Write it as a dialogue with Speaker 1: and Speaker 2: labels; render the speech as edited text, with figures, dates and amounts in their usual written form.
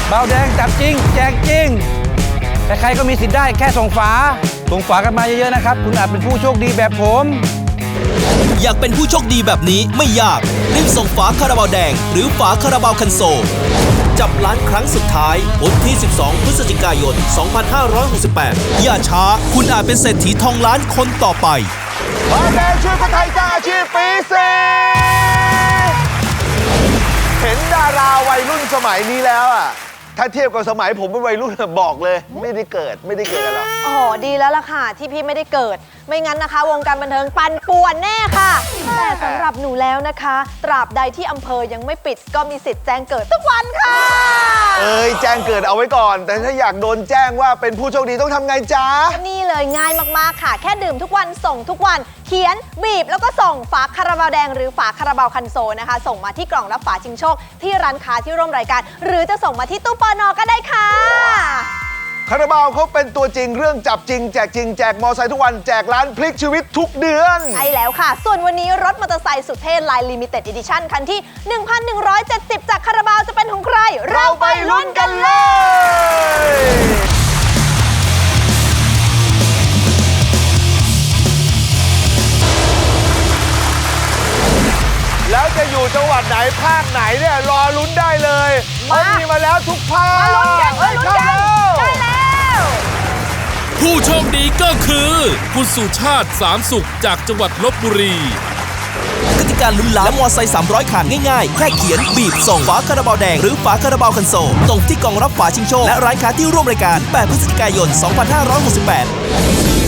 Speaker 1: เบาแดงจับจริงแจกจริงใครๆก็มีสิทธิ์ได้แค่ส่งฝากันมาเยอะๆนะครับคุณอาจเป็นผู้โชคดีแบบผม
Speaker 2: อยากเป็นผู้โชคดีแบบนี้ไม่ยากรีบส่งฝาคาราบาวแดงหรือฝาคาราบาวคันโซลจับล้านครั้งสุดท้ายวันที่ 12 พฤศจิกายน 2568 อย่าช้าคุณอาจเป็นเศรษฐีทองล้านคนต่อไป
Speaker 3: บาวแดงช่วยคนไทยสร้างอาชีพปีเซเห็นดาราวัยรุ่นสมัยนี้แล้วอ่ะถ้าเทียบกับสมัยผมเป็นวัยรุ่นบอกเลยไม่ได้เกิดกันหรอก
Speaker 4: อ๋อดีแล้วล่ะค่ะที่พี่ไม่ได้เกิดไม่งั้นนะคะวงการบันเทิงปั่นป่วนแน่ค่ะแต่สำหรับหนูแล้วนะคะตราบใดที่อำเภอยังไม่ปิดก็มีสิทธิ์แจ้งเกิดทุกวันค่ะ
Speaker 3: แจ้งเกิดเอาไว้ก่อนแต่ถ้าอยากโดนแจ้งว่าเป็นผู้โชคดีต้องทำไงจ๊ะ
Speaker 4: นี่เลยง่ายมากๆค่ะแค่ดื่มทุกวันส่งทุกวันเขียนบีบแล้วก็ส่งฝาคาราบาวแดงหรือฝาคาราบาวคันโซนะคะส่งมาที่กล่องรับฝาชิงโชคที่ร้านค้าที่ร่วมรายการหรือจะส่งมาที่ตู้ปน.ก็ได้ค่ะ
Speaker 3: คาราบาวเขาเป็นตัวจริงเรื่องจับจริงแจกจริงแจกมอไซค์ทุกวันแจกร้านพลิกชีวิตทุกเดือน
Speaker 4: ใช่แล้วค่ะส่วนวันนี้รถมอเตอร์ไซค์สุดเท่ไลน์ลิมิเต็ดอีดิชั่นคันที่ 1,170 จากคาราบาวจะเป็นของใครเราไปลุ้นกันเลย
Speaker 3: แล้วจะอยู่จังหวัดไหนภาคไหนเนี่ยรอลุ้นได้เลยมันมีมาแล้วทุกภาค
Speaker 4: มาลุ้นกันได้แล้ว
Speaker 5: ผู้โชคดีก็คือคุณสุชาติสามสุขจากจังหวัดลพบุรี
Speaker 2: กติกาลุ้นล้านและมอไซค์300 คันง่ายๆแค่เขียนบีบส่งฝาคาราบาวแดงหรือฝาคาราบาวคันโซลส่งที่กล่องรับฝาชิงโชคและร้านค้าที่ร่วมรายการ8 พฤศจิกายน 2568